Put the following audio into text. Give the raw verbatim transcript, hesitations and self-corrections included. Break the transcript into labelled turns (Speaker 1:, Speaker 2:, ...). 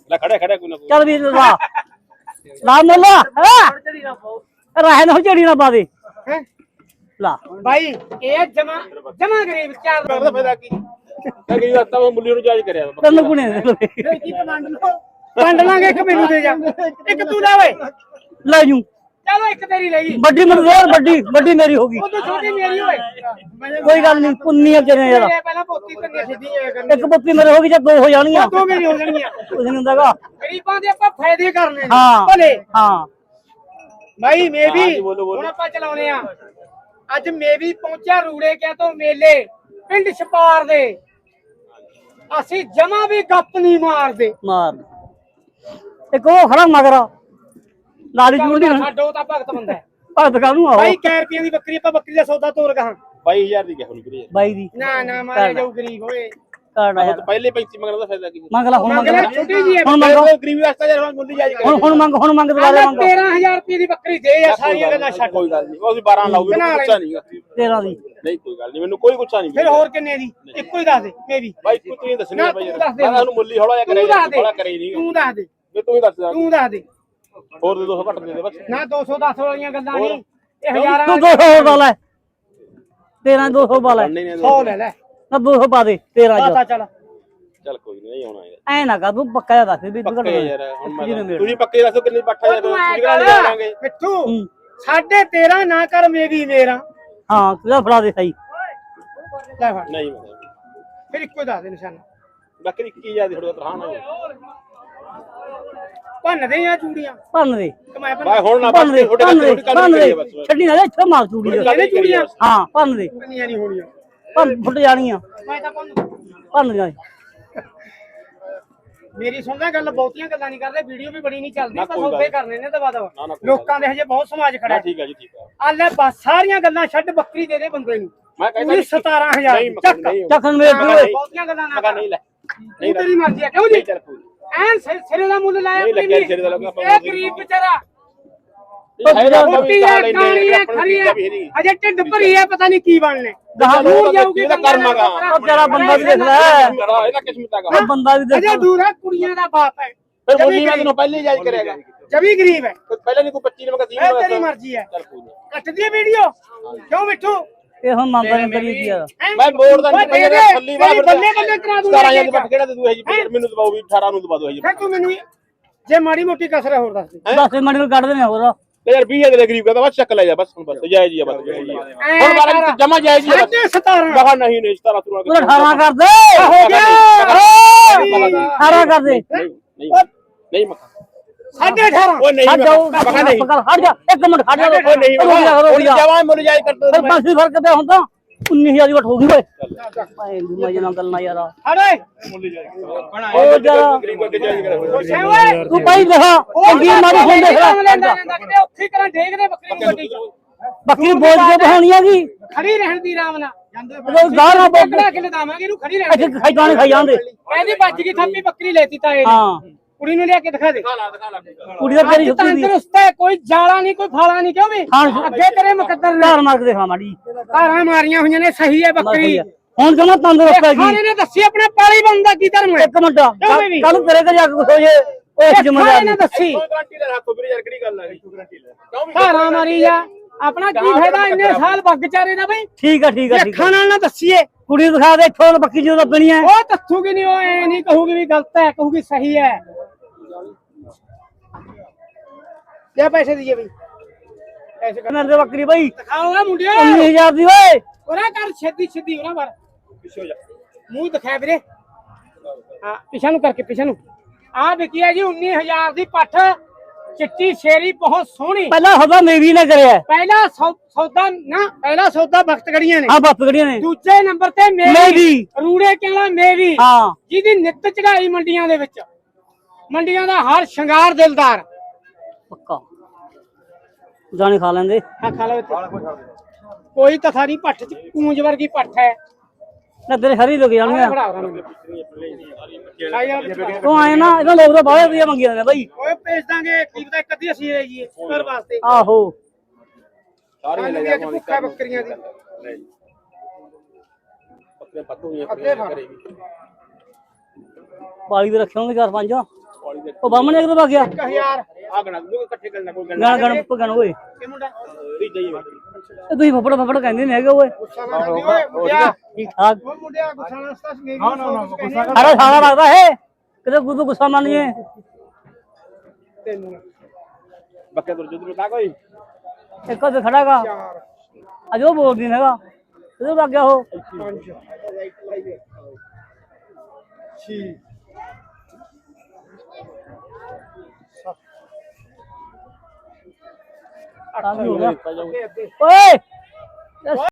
Speaker 1: ਲੈ ਖੜਿਆ ਖੜਿਆ ਕੋਈ ਨਾ ਕੋਈ।
Speaker 2: ਚੱਲ ਵੀ ਲਾ ਲਾ ਮੁੱਲਾ ਰਹਿ ਨਾ ਝੜੀ ਨਾ ਪਾ ਦੇ ਲਾ
Speaker 3: ਭਾਈ ਇਹ ਜਮਾ ਜਮਾ ਗਰੀਬ ਚਾਰ
Speaker 1: ਕਰਦਾ ਫਾਇਦਾ ਕੀ ਮੈਂ ਗਈ ਰਸਤਾ ਮੈਂ ਮੁੱਲੀ ਨੂੰ ਜਾਇਜ਼ ਕਰਿਆ
Speaker 2: ਤੈਨੂੰ ਕੁਣੇ
Speaker 3: ਕੀ ਵੰਡ ਲਓ ਵੰਡ ਲਾਂਗੇ ਇੱਕ ਮੈਨੂੰ ਦੇ ਜਾ ਇੱਕ ਤੂੰ ਲੈ ਓਏ
Speaker 2: ਲੈ ਜੂ
Speaker 3: ਚਲੋ ਇੱਕ ਤੇਰੀ ਲੈ ਗਈ
Speaker 2: ਵੱਡੀ ਮੈਨੂੰ ਹੋਰ ਵੱਡੀ ਵੱਡੀ ਮੇਰੀ ਹੋ ਗਈ
Speaker 3: ਉਹ ਤੂੰ ਛੋਟੀ ਮੇਰੀ ਓਏ
Speaker 2: ਕੋਈ ਗੱਲ ਨਹੀਂ ਪੁੰਨੀਆਂ ਚਨੇ ਯਾਰ
Speaker 3: ਇਹ ਪਹਿਲਾਂ ਪੋਤੀ ਕੰਨੇ ਸਿੱਧੀ ਹੋਇਆ ਕਰਨੀ
Speaker 2: ਇੱਕ ਪੁੱਤੀ ਮੇਰੇ ਹੋ ਗਈ ਜਾਂ ਦੋ ਹੋ ਜਾਣੀਆਂ
Speaker 3: ਦੋ ਮੇਰੀ ਹੋ ਜਾਣਗੀਆਂ
Speaker 2: ਕੁਝ ਨਹੀਂ ਹੁੰਦਾਗਾ
Speaker 3: ਗਰੀਬਾਂ ਦੇ ਆਪਾਂ ਫਾਇਦੇ ਕਰਨੇ ਨੇ
Speaker 2: ਹਾਂ
Speaker 3: ਭਲੇ
Speaker 2: ਹਾਂ
Speaker 3: ਭਾਈ ਮੈਂ ਵੀ
Speaker 1: ਹਾਂਜੀ, ਬੋਲੋ, ਬੋਲੋ।
Speaker 3: ਹੁਣ ਆਪਾਂ ਚਲਾਉਨੇ ਆ ਅੱਜ ਮੈਂ ਵੀ ਪਹੁੰਚਿਆ ਰੂੜੇ ਕਿਆ ਤੋਂ ਮੇਲੇ ਪਿੰਡ ਛਪਾਰ ਦੇ ਅਸੀਂ ਜਮਾ ਵੀ ਗੱਪ ਨਹੀਂ ਮਾਰਦੇ
Speaker 2: ਮਾਰ ਇੱਕ ਉਹ ਖੜਾ ਮਗਰ ਲਾਲੀ ਜੂੜੀ
Speaker 3: ਸਾਡੋ ਤਾਂ ਭਗਤ ਬੰਦਾ ਹੈ।
Speaker 2: ਭਗਤ ਕਾਹਨੂੰ ਆਓ
Speaker 3: ਭਾਈ ਕੈ ਰੁਪਈਆਂ ਦੀ ਬੱਕਰੀ ਆਪਾਂ ਬੱਕਰੀ ਦਾ ਸੌਦਾ ਤੋਰ ਕਹਾਂ
Speaker 1: ਬਾਈ ਹਜ਼ਾਰ ਦੀ ਗਿਆ ਹੁਣ ਵੀਰੇ
Speaker 2: ਬਾਈ ਦੀ
Speaker 3: ਨਾ ਨਾ ਮਾਰੇ ਜਾਊ ਗਰੀਬ ਹੋਏ
Speaker 2: ਕਾਰਡ
Speaker 1: ਆਹ
Speaker 2: ਯਾਰ
Speaker 1: ਤਾਂ ਪਹਿਲੇ ਪੈਂਤੀ ਮੰਗਣ ਦਾ ਫਾਇਦਾ ਕੀ
Speaker 2: ਮੰਗ ਲੈ ਹੁਣ ਮੰਗ ਲੈ
Speaker 3: ਛੋਟੀ ਜੀ ਹੈ
Speaker 2: ਹੁਣ ਮੰਗੋ
Speaker 1: ਗਰੀਬੀ ਵਾਸਤਾ ਯਾਰ ਮੁੱਲੀ ਜਾਇਜ਼
Speaker 2: ਹੁਣ ਹੁਣ ਮੰਗ ਹੁਣ ਮੰਗ ਦੁਬਾਰਾ ਮੰਗ
Speaker 3: ਤੇਰਾਂ ਹਜ਼ਾਰ ਰੁਪਏ ਦੀ ਬੱਕਰੀ ਦੇ ਯਾਰ ਸਾਰੀਆਂ ਗੱਲਾਂ ਛੱਡ
Speaker 1: ਕੋਈ ਗੱਲ ਨਹੀਂ ਉਹ ਅਸੀਂ ਬਾਰਾਂ ਲਾਉਗੇ
Speaker 3: ਬਣਾ
Speaker 1: ਗੁੱਸਾ ਨਹੀਂ
Speaker 2: ਤੇਰਾਂ ਦੀ
Speaker 1: ਨਹੀਂ ਕੋਈ ਗੱਲ ਨਹੀਂ ਮੈਨੂੰ ਕੋਈ ਗੁੱਸਾ ਨਹੀਂ
Speaker 3: ਫਿਰ ਹੋਰ ਕਿੰਨੇ ਦੀ ਇੱਕੋ ਹੀ ਦੱਸ ਦੇ ਮੈਂ ਵੀ
Speaker 1: ਬਾਈ ਕੋਈ ਤੂੰ ਦੱਸਣੀ
Speaker 3: ਨਾ,
Speaker 1: ਬਾਈ
Speaker 3: ਤੂੰ
Speaker 1: ਯਾਰ
Speaker 3: ਦੱਸ ਦੇ।
Speaker 1: ਮੈਂ ਉਹਨੂੰ ਮੁੱਲੀ ਹੌਲਾ ਜਿਹਾ
Speaker 3: ਤੂੰ
Speaker 1: ਕਰਿਆ
Speaker 3: ਦੱਸ ਦੇ
Speaker 1: ਹੌਲਾ ਕਰੇ ਨਹੀਂ
Speaker 3: ਤੂੰ ਦੱਸ ਦੇ
Speaker 1: ਮੈਂ ਤੂੰ ਹੀ ਦੱਸ ਦੇ
Speaker 3: ਤੂੰ ਦੱਸ ਦੇ
Speaker 1: ਹੋਰ ਦੇ ਦੋ ਸੌ ਘੱਟ ਦੇ ਦੇ ਬਸ
Speaker 3: ਨਾ ਦੋ ਸੌ ਦਸ ਵਾਲੀਆਂ ਗੱਲਾਂ ਨਹੀਂ ਇਹ ਹਜ਼ਾਰਾਂ
Speaker 2: ਤੂੰ ਦੋ ਸੌ ਦਾ ਲੈ ਤੇਰਾਂ ਦੋ ਸੌ ਪਾ ਲੈ
Speaker 1: ਨਹੀਂ ਨਹੀਂ
Speaker 3: ਸੌ ਲੈ ਲੈ
Speaker 2: ਨਾ ਦੋ ਸੌ ਪਾ ਦੇ ਤੇਰਾਂ
Speaker 3: ਪਤਾ
Speaker 2: ਚ
Speaker 3: ਚੱਲ
Speaker 1: ਚੱਲ ਕੋਈ ਨਹੀਂ ਆਉਣਾ ਯਾਰ
Speaker 2: ਐ ਨਾ ਕਰ ਤੂੰ ਪੱਕਾ ਜਿਹਾ ਦੱਸ ਵੀ ਤੂੰ
Speaker 1: ਪੱਕੇ ਯਾਰ ਹੁਣ ਮੈਂ ਤੁਸੀਂ ਪੱਕੇ ਦੱਸੋ ਕਿੰਨੀ ਪੱਠਾ ਯਾਰ
Speaker 3: ਤੂੰ ਐ
Speaker 1: ਤੁਸੀਂ ਕਿਹੜਾ ਲੈ ਲਾਂਗੇ
Speaker 3: ਕਰ ਮਿੱਠੂ ਸਾਢੇ ਤੇਰਾਂ ਨਾ ਕਰ ਮੇਰੀ ਮੇਰਾ
Speaker 2: ਹਾਂ ਤੂੰ ਫੜਾ ਦੇ ਸਹੀ
Speaker 3: ਲੈ ਫੜ
Speaker 1: ਨਹੀਂ ਮੈਂ
Speaker 3: ਫਿਰ ਇੱਕੋ ਹੀ ਦੱਸ ਦੇ ਨਿਸ਼ਾਨਾ
Speaker 1: ਬੱਕਰੀ ਇੱਕੀ ਹਜ਼ਾਰ ਦੀ ਥੋੜਾ ਤਰ੍ਹਾਂ ਨਾ
Speaker 3: ਭੰਨ ਦੇ ਆ ਚੂੜੀਆਂ
Speaker 2: ਭੰਨ ਦੇ
Speaker 3: ਕਮਾਇਆ
Speaker 1: ਬਾਈ ਹੁਣ ਨਾ
Speaker 2: ਭੰਨ ਦੇ
Speaker 1: ਤੁਹਾਡੇ
Speaker 2: ਭੰਨ ਦੇ
Speaker 1: ਥੋੜੀ
Speaker 2: ਭੰਨ
Speaker 1: ਗੱਲ
Speaker 2: ਦੇ
Speaker 1: ਕਰੀਏ ਬਸ
Speaker 2: ਛੱਡੀ ਨਾ ਇੱਥੇ ਮਾਰ ਚੂੜੀ
Speaker 3: ਇਹਨੇ ਚੂੜੀਆਂ
Speaker 2: ਹਾਂ ਭੰਨ ਦੇ
Speaker 3: ਭੰਨੀਆਂ ਨਹੀਂ ਹੋਣੀਆਂ
Speaker 2: ਭੰਨ ਫੁੱਟ ਜਾਣੀਆਂ
Speaker 3: ਮੈਂ ਤਾਂ ਭੰਨ
Speaker 2: ਭੰਨ ਦੀਆਂ
Speaker 3: ਮੇਰੀ ਸੁਣਦਾ ਗੱਲ ਬਹੁਤੀਆਂ ਗੱਲਾਂ ਨਹੀਂ ਕਰਦੇ ਵੀਡੀਓ ਵੀ ਬੜੀ ਨਹੀਂ ਚੱਲਦੀ
Speaker 1: ਨਾ
Speaker 3: ਬਸ
Speaker 1: ਕੋਈ
Speaker 3: ਉੱਤੇ
Speaker 1: ਗੱਲ
Speaker 3: ਕਰਨੇ ਨੇ ਦਵਾ ਦਵਾ
Speaker 1: ਨਾ, ਨਾ ਕੋਈ
Speaker 3: ਲੋਕਾਂ ਦੇ ਹਜੇ ਬਹੁਤ ਸਮਾਜ ਖੜਾ
Speaker 1: ਨਾ
Speaker 3: ਹੈ
Speaker 1: ਠੀਕ ਹੈ ਜੀ ਠੀਕ ਹੈ
Speaker 3: ਆ ਲੈ ਬਸ ਸਾਰੀਆਂ ਗੱਲਾਂ ਛੱਡ ਬੱਕਰੀ ਦੇ ਦੇ ਬੰਦੇ ਨੂੰ
Speaker 1: ਮੈਂ ਕਹਿੰਦਾ
Speaker 3: ਪੂਰੀ ਸਤਾਰਾਂ ਹਜ਼ਾਰ
Speaker 1: ਨਹੀਂ
Speaker 3: ਚੱਕ
Speaker 1: ਨਹੀਂ
Speaker 2: ਚੱਕਣ ਮੇਰੇ
Speaker 3: ਹਾਂ,
Speaker 2: ਓਏ
Speaker 3: ਬਹੁਤੀਆਂ ਗੱਲਾਂ ਨਾ
Speaker 1: ਮਗਾ
Speaker 3: ਕਰ
Speaker 1: ਨਹੀਂ ਲੈ
Speaker 3: ਤੂੰ ਤੇਰੀ ਮਰਜ਼ੀ ਹੈ ਕਿਉਂ ਜੀ
Speaker 1: ਨਹੀਂ ਚੱਲ ਕੋਈ
Speaker 3: ਐਨ ਸਿ- ਸਿਰੇ ਦਾ ਮੁੱਲ ਲਾਇਆ
Speaker 1: ਨਹੀਂ
Speaker 3: ਆਪਣੀ
Speaker 1: ਲੱਗਿਆ
Speaker 3: ਨੇ।
Speaker 1: ਸਿਰੇ ਦਾ ਲੱਗਾ ਆਪਾਂ
Speaker 3: ਇਹ ਗਰੀਬ ਵਿਚਾਰਾ
Speaker 1: ਹੈਗਾ
Speaker 3: ਰੋਟੀ ਹੈ ਕਾਣੀ ਹੈ ਖਰੀ ਹੈ ਅਜੇ ਢਿੱਡ ਭਰੀ ਹੈ ਪਤਾ ਨਹੀਂ ਕੀ ਬਣਨੇ ਦੂਰ ਜਾਊਗੀ
Speaker 1: ਇਹਦਾ ਕਰਮ ਹੈਗਾ
Speaker 2: ਉਹ ਤੇਰਾ ਬੰਦਾ ਵੀ ਦੇਖ ਲੈ
Speaker 1: ਇਹਦਾ ਕਿਸਮਤ ਹੈਗਾ
Speaker 2: ਉਹ ਬੰਦਾ ਵੀ ਦੇਖ
Speaker 3: ਅਜੇ ਦੂਰ ਹੈ ਕੁੜੀਆਂ ਦਾ ਬਾਪ ਹੈ
Speaker 1: ਫਿਰ ਮੁੱਲੀ ਮੈਂ ਤੈਨੂੰ ਪਹਿਲੇ ਹੀ ਜਾਇਜ਼ ਕਰਿਆਗਾ
Speaker 3: ਜਵੀ ਗਰੀਬ ਹੈ
Speaker 1: ਪਹਿਲੇ ਨਹੀਂ ਕੋਈ ਪੱਚੀ ਨੰਬਰ ਤੀਹ
Speaker 3: ਇਹ
Speaker 1: ਨੰਬਰ
Speaker 3: ਤੇਰੀ ਮਰਜ਼ੀ ਹੈ
Speaker 1: ਚੱਲ ਕੋਈ ਨਹੀਂ
Speaker 3: ਕੱਟਦੀ ਹੈ ਵੀਡੀਓ ਕਿਉਂ ਮਿੱਠੂ
Speaker 2: ਇਹ ਹੁਣ ਮੰਨਦਾ ਨਹੀਂ ਕਰੀ ਕੀ ਯਾਰ
Speaker 1: ਮੈਂ ਮੋੜ ਦਾ ਨਹੀਂ
Speaker 3: ਓਏ ਦੇ
Speaker 1: ਪਈਆ
Speaker 3: ਦੇ,
Speaker 1: ਥੱਲੀ
Speaker 3: ਤੇਰੀ
Speaker 1: ਵਾਲਾ
Speaker 3: ਬੱਲੇ ਬੱਲੇ ਕਰਾ ਦੂੰ
Speaker 1: ਸਤਾਰਾਂ ਹਜ਼ਾਰ ਦੀ ਬੱਟ ਕਿਹੜਾ ਦੇ ਦੂ ਹੈ ਜੀ ਮੈਨੂੰ ਦਬਾਓ ਵੀ ਅਠਾਰਾਂ ਨੂੰ ਦਬਾ ਦੋ ਜੀ
Speaker 3: ਫਿਰ ਤੂੰ ਮੈਨੂੰ ਜੇ ਮਾੜੀ ਮੋਟੀ ਕਸਰ ਹੈ ਹੋਰ ਦੱਸ ਦੇ
Speaker 2: ਦਸ ਮਿੰਟ ਨੂੰ ਕੱਢ ਦੇਣੇ ਹੋਰ
Speaker 1: ਯਾਰ ਵੀਹ ਹਜ਼ਾਰ ਦੇ ਗਰੀਬ ਕਹਿੰਦਾ ਬਸ ਚੱਕ ਲੈ ਜਾ ਬਸ ਹੁਣ ਬਸ ਜਾਇਜ਼ ਹੀ ਆ ਬਸ ਹੁਣ ਬਾਰਾਂ ਜਮਾ ਜਾਇਜ਼ ਹੀ ਆ
Speaker 3: ਸਾਢੇ ਸਤਾਰਾਂ
Speaker 1: ਬਗਾ ਨਹੀਂ ਨਹੀਂ ਸਤਾਰਾਂ ਸਤਾਰਾਂ
Speaker 2: ਤੂੰ ਅਠਾਰਾਂ ਕਰ ਦੇ
Speaker 3: ਹੋ ਗਿਆ
Speaker 2: ਅਠਾਰਾਂ ਕਰ ਦੇ
Speaker 1: ਨਹੀਂ ਨਹੀਂ ਨਹੀਂ ਮੱਖਾ
Speaker 3: ਸਾਢੇ ਅਠਾਰਾਂ
Speaker 1: ਉਹ ਨਹੀਂ
Speaker 2: ਹਟ ਜਾਓ
Speaker 1: ਮੱਖਾ ਨਹੀਂ
Speaker 2: ਹਟ ਜਾ ਇੱਕ ਮਿੰਟ ਖੜ ਜਾ
Speaker 1: ਉਹ ਨਹੀਂ
Speaker 2: ਰੁਕ ਜਾ
Speaker 1: ਜਮਾ ਮੁੱਲ ਜਾਇਜ਼ ਕਰ
Speaker 2: ਫਿਰ ਪੰਜ ਫਰਕ ਤੇ ਹੁਣ ਤਾਂ ਉੱਨੀ ਹਜ਼ਾਰ ਦੀ ਵਟ ਹੋ ਗਈ ਓਏ ਭਾਈ ਮਜੇ ਨਾਲ ਗੱਲ ਨਾ ਯਾਰ
Speaker 3: ਅਰੇ
Speaker 2: ਉਹ ਜਰਾ
Speaker 1: ਗਰੀਬ ਅੱਗੇ ਜਾਇਜ਼ ਕਰੇ
Speaker 3: ਖੁਸ਼ ਹੈ ਓਏ
Speaker 2: ਤੂੰ ਭਾਈ ਦੇਖਾ ਚੰਗੀ ਮਾੜੀ ਹੁਣ ਦੇਖ ਲੈ
Speaker 3: ਲੈਂਦਾ ਲੈਂਦਾ ਕਿਤੇ ਉੱਥੇ ਕਰਾਂ ਦੇਖਦੇ ਬੱਕਰੀ ਨੂੰ ਗੱਡੀ ਚ
Speaker 2: ਬੱਕਰੀ ਬੋਝ ਕੇ ਬਹਾਉਣੀ ਆ ਗਈ
Speaker 3: ਖੜੀ ਰਹਿਣ ਦੀ ਆਰਾਮ ਨਾਲ
Speaker 2: ਉਹ ਗਾਣਾ ਬੋਲ
Speaker 3: ਬੱਕੜਾ ਕਿਲੇ ਦਾਵਾਂਗੇ ਇਹਨੂੰ ਖੜੀ ਰਹਿਣ
Speaker 2: ਅੱਛਾ ਖਾਈ ਜਾਣੇ ਖਾਈ ਜਾਂਦੇ
Speaker 3: ਕਹਿੰਦੀ ਵੱਜ ਗਈ ਥੱਪੀ ਬੱਕਰੀ ਲੈਤੀ ਤਾਂ ਇਹ
Speaker 2: ਹਾਂ
Speaker 3: ਕੁੜੀ ਨੂੰ ਲਿਆ ਕੇ ਦਿਖਾ ਦੇ
Speaker 2: ਕੁੜੀ ਦਾ ਤੇਰੀ ਸੁੱਤੀ ਦੀ
Speaker 3: ਤੰਦਰੁਸਤ ਹੈ ਕੋਈ ਜਾਲਾ ਨਹੀਂ ਕੋਈ ਫਾਲਾ ਨਹੀਂ ਕਿਉਂ ਵੀ
Speaker 2: ਹਾਂ
Speaker 3: ਅੱਗੇ ਤੇਰੇ ਮੁਕੱਦਰ ਨੇ
Speaker 2: ਧਾਰ ਮਾਰ ਕੇ ਦੇਖਾ ਮਾੜੀ
Speaker 3: ਧਾਰਾਂ ਮਾਰੀਆਂ ਹੋਈਆਂ ਨੇ ਸਹੀ ਹੈ ਬੱਕਰੀ
Speaker 2: ਹੁਣ ਜਮਾ ਤੰਦਰੁਸਤ ਹੈਗੀ
Speaker 3: ਖਾਣੇ ਨੇ ਦੱਸੀ ਆਪਣੇ ਪਾਲੀ ਬੰਦਾ ਕੀ ਧਰਮ ਹੈ
Speaker 2: ਇੱਕ ਮਿੰਟ ਕੱਲ ਤੇਰੇ ਘਰ ਜਾ ਕੇ ਕੁਛ ਹੋ ਜੇ ਉਹ
Speaker 3: ਖਾਣੇ
Speaker 2: ਜ਼ਿੰਮੇਵਾਰੀ
Speaker 3: ਨੇ ਦੱਸੀ
Speaker 1: ਗਾਰੰਟੀ ਲੈ ਰੱਖੋ ਵੀਰੇ ਯਾਰ ਕਿਹੜੀ ਗੱਲ ਆ ਗਈ ਗਾਰੰਟੀ ਲੈ ਕਿਉਂ ਵੀ
Speaker 3: ਧਾਰਾਂ ਮਾਰੀ ਜਾ ਆਪਣਾ ਕੀ ਫਾਇਦਾ ਇੰਨੇ ਸਾਲ ਬੱਗ ਚਾਰੇ ਦਾ ਬਈ
Speaker 2: ਠੀਕ ਆ ਠੀਕ ਆ ਠੀਕ
Speaker 3: ਅੱਖਾਂ ਨਾਲ ਨਾ ਦੱਸੀਏ
Speaker 2: ਕੁੜੀ ਨੂੰ ਦਿਖਾ ਦੇ ਇੱਥੋਂ ਬੱਕੀ ਜਦੋਂ ਲੱਭਣੀ ਹੈ
Speaker 3: ਉਹ ਤੱਥੂਗੀ ਨਹੀਂ ਉਹ ਐ ਨਹੀਂ ਕਹੂਗੀ ਵੀ ਗਲਤ ਹੈ ਕਹੂਗੀ ਸਹੀ ਹੈ ਲੈ ਪੈਸੇ ਦੀਏ ਬਈ ਪੈਸੇ ਕਰ
Speaker 2: ਮੇਰੇ ਤੇ ਬੱਕਰੀ ਬਈ
Speaker 3: ਦਿਖਾਓਗਾ ਮੁੰਡਿਆ
Speaker 2: ਉੱਨੀ ਹਜ਼ਾਰ ਦੀ ਓਏ
Speaker 3: ਉਹਨਾਂ ਕਰ ਛੇਤੀ ਛੇਤੀ ਉਹਨਾਂ ਬਾਰ
Speaker 1: ਪਿੱਛੇ ਹੋ ਜਾ
Speaker 3: ਮੂੰਹ ਦਿਖਾ ਵੀਰੇ ਹਾਂ ਪਿਛਾ ਨੂੰ ਕਰਕੇ ਪਿਛਾ ਨੂੰ ਆ ਵਿਕੀ ਹੈ ਜੀ ਉੱਨੀ ਹਜ਼ਾਰ ਦੀ ਪੱਠ ਚਿੱਟੀ ਸ਼ੇਰੀ ਬਹੁਤ ਸੋਹਣੀ
Speaker 2: ਪਹਿਲਾਂ ਸੌਦਾ ਮੇਰੀ ਨੇ ਕਰਿਆ
Speaker 3: ਪਹਿਲਾ ਸੌ- ਸੌਦਾ ਨਾ ਪਹਿਲਾ ਸੌਦਾ ਵਕਤ ਗੜੀਆਂ ਨੇ
Speaker 2: ਆ ਬੱਤ ਗੜੀਆਂ ਨੇ
Speaker 3: ਦੂਜੇ ਨੰਬਰ ਤੇ ਮੇਰੀ
Speaker 2: ਮੇਰੀ
Speaker 3: ਰੂੜੇ ਕਹਿੰਦਾ ਮੇਰੀ
Speaker 2: ਹਾਂ
Speaker 3: ਜਿਹਦੀ ਨਿੱਤ ਚੜਾਈ ਮੰਡੀਆਂ ਦੇ ਵਿੱਚ ਮੰਡੀਆਂ ਦਾ ਹਰ ਸ਼ਿੰਗਾਰ ਦਿਲਦਾਰ
Speaker 2: ਪੱਕਾ ਜਾਣੇ ਖਾ ਲੈਂਦੇ
Speaker 3: ਹਾਂ ਖਾ ਲਓ ਇੱਥੇ। ਕੋਈ ਤਥਾ ਨਹੀਂ ਪੱਠ ਚ ਕੂੰਜ ਵਰਗੀ ਪੱਠ ਹੈ
Speaker 2: ਨਾ ਤੇਰੇ ਹਰੀ ਲੋਕ ਜਾਣਗੇ
Speaker 3: ਬੜਾ ਉਹਨਾਂ ਨੂੰ ਆਈ ਯਾਰ
Speaker 2: ਤੂੰ ਆਏ ਨਾ ਇਹਨਾਂ ਲੋਕ ਤਾਂ ਬਾਹਲੇ ਵਧੀਆ ਮੰਗੀਆਂ ਨੇ ਬਾਈ
Speaker 3: ਓਏ ਭੇਜ ਦਾਂਗੇ ਕੀ ਪਤਾ ਇੱਕ ਅੱਧੀ ਅਸੀਂ ਲੈ ਜੀਏ ਘਰ ਵਾਸਤੇ
Speaker 2: ਆਹੋ
Speaker 1: ਸਾਰੇ ਲੈ
Speaker 3: ਆਲੂ
Speaker 1: ਜਾ
Speaker 3: ਦੀ ਭੁੱਖਾ ਬੱਕਰੀਆਂ ਦੀ
Speaker 1: ਬੱਕਰੇ ਪੱਤੂ ਹੋਈਆਂ
Speaker 3: ਅੱਗੇ ਫੜ।
Speaker 1: ਕਰੇਗੀ
Speaker 2: ਪਾਲੀ ਵੀ ਰੱਖੇ ਹੋਣਗੇ ਚਾਰ ਪੰਜ ਉਹ ਬਾਹਮਣ ਇੱਕ ਤੋਂ ਗਿਆ
Speaker 3: ਹਜ਼ਾਰ
Speaker 1: ਆ ਗਣਾ ਦੂਗੇ ਇਕੱਠੇ ਕਰਨਾ ਕੋਈ ਗੱਲ
Speaker 2: ਗਣ ਗਣ ਗਣ ਓਏ
Speaker 3: ਇਹ ਮੁੰਡਾ
Speaker 1: ਨਹੀਂ ਜਾਈਏ
Speaker 2: ਇਹ ਤੁਸੀਂ ਫਫੜ ਫਫੜ ਕਹਿੰਦੇ ਨੇ ਹੈਗੇ ਓਏ
Speaker 3: ਗੁੱਸਾ ਨਾ ਕਰਦੀ ਓਏ ਮੁੰਡਿਆ
Speaker 2: ਠੀਕ ਠਾਕ
Speaker 3: ਉਹ ਮੁੰਡਿਆ ਗੁੱਸਾ ਨਾ ਸਤਾ ਮੇਰੀ ਹਾਂ ਨਾ ਨਾ ਗੁੱਸਾ
Speaker 2: ਅਰੇ ਸਾਲਾ ਲੱਗਦਾ ਹੈ ਕਿਤੇ ਗੁੱਸਾ ਗੁੱਸਾ ਮੰਨੀਏ
Speaker 3: ਤੈਨੂੰ
Speaker 1: ਬੱਕੇ ਤੁਰ ਜੁਦਰ ਕਾ ਕੋਈ
Speaker 2: ਇੱਕ ਤੇ ਖੜਾਗਾ
Speaker 3: ਚਾਰ
Speaker 2: ਅਜੋ ਬੋਲਦੀ ਹੈਗਾ ਇਹਦੇ ਲੱਗ ਗਿਆ ਉਹ
Speaker 3: ਪੰਜ ਛੇ
Speaker 2: ਤਾਂ ਵੀ ਹੋ ਗਿਆ
Speaker 3: ਅੱਗੇ ਅੱਗੇ
Speaker 2: ਓਏ